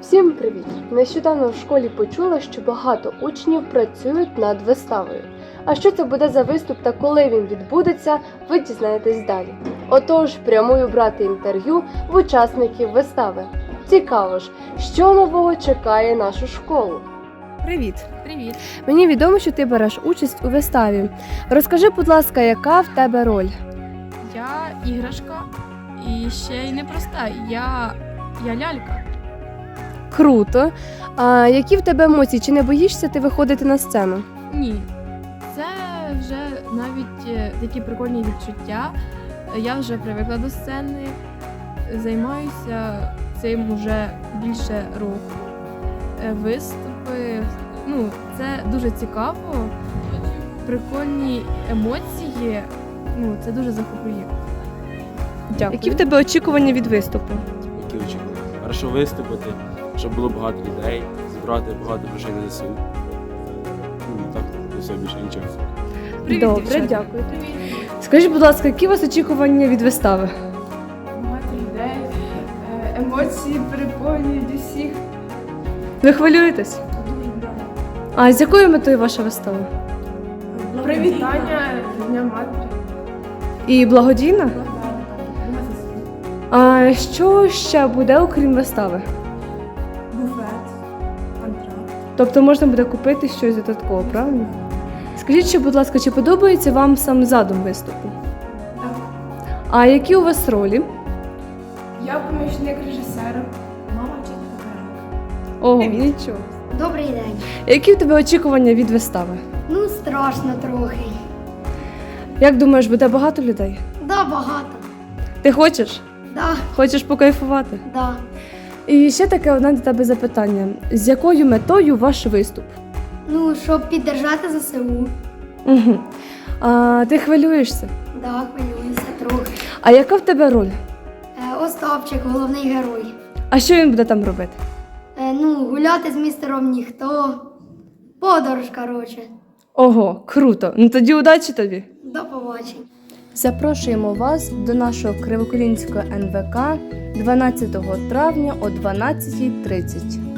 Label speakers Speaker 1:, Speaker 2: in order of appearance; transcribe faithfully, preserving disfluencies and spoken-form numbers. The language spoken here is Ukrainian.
Speaker 1: Всім привіт! Нещодавно в школі почула, що багато учнів працюють над виставою. А що це буде за виступ та коли він відбудеться, ви дізнаєтесь далі. Отож, прямую брати інтерв'ю в учасників вистави. Цікаво ж, що нового чекає нашу школу? Привіт!
Speaker 2: Привіт!
Speaker 1: Мені відомо, що ти береш участь у виставі. Розкажи, будь ласка, яка в тебе роль?
Speaker 2: Я іграшка і ще й непроста. Я, я лялька.
Speaker 1: Круто! А які в тебе емоції? Чи не боїшся ти виходити на сцену?
Speaker 2: Ні. Це вже навіть е, такі прикольні відчуття. Я вже привикла до сцени, займаюся цим уже більше року. Е, Виступи, ну, це дуже цікаво, прикольні емоції, ну, це дуже захоплює.
Speaker 1: Дякую.
Speaker 3: Які в тебе очікування від виступу?
Speaker 4: Які очікування? Хорошо виступити, щоб було багато людей, зібрати багато грошей на ЗСУ. Ну, так, і все, більше нічого.
Speaker 3: Привіт,
Speaker 1: Добре,
Speaker 3: дівчата.
Speaker 1: дякую. Скажіть, будь ласка, які у вас очікування від вистави?
Speaker 2: Багато людей, емоції переповнюють усіх.
Speaker 1: Ви хвилюєтесь? А з якою метою ваша вистава?
Speaker 2: Привітання Дня Матері.
Speaker 1: І благодійна? А що ще буде, окрім вистави?
Speaker 2: Буфет, антракт.
Speaker 1: Тобто можна буде купити щось додатково, правильно? Скажіть ще, будь ласка, чи подобається вам сам задум виступу?
Speaker 2: Так.
Speaker 1: А які у вас ролі?
Speaker 2: Я помічник режисера. Мама вчителька.
Speaker 1: Ого, нічого.
Speaker 5: Добрий день.
Speaker 1: Які в тебе очікування від вистави?
Speaker 5: Ну, страшно трохи.
Speaker 1: Як думаєш, буде багато людей?
Speaker 5: Да, багато.
Speaker 1: Ти хочеш?
Speaker 5: Да,
Speaker 1: Хочеш покайфувати?
Speaker 5: да.
Speaker 1: І ще таке одне до тебе запитання. З якою метою ваш виступ?
Speaker 5: Ну, щоб піддержати ЗСУ.
Speaker 1: Угу. А ти хвилюєшся?
Speaker 5: Да, хвилююся трохи.
Speaker 1: А яка в тебе роль?
Speaker 5: Е, Остапчик, головний герой.
Speaker 1: А що він буде там робити?
Speaker 5: Е, ну, гуляти з містером ніхто. Подорож, коротше.
Speaker 1: Ого, круто! Ну тоді удачі тобі!
Speaker 5: До побачення.
Speaker 1: Запрошуємо вас до нашого Кривоколінського ен ве ка дванадцятого травня о дванадцятій тридцять.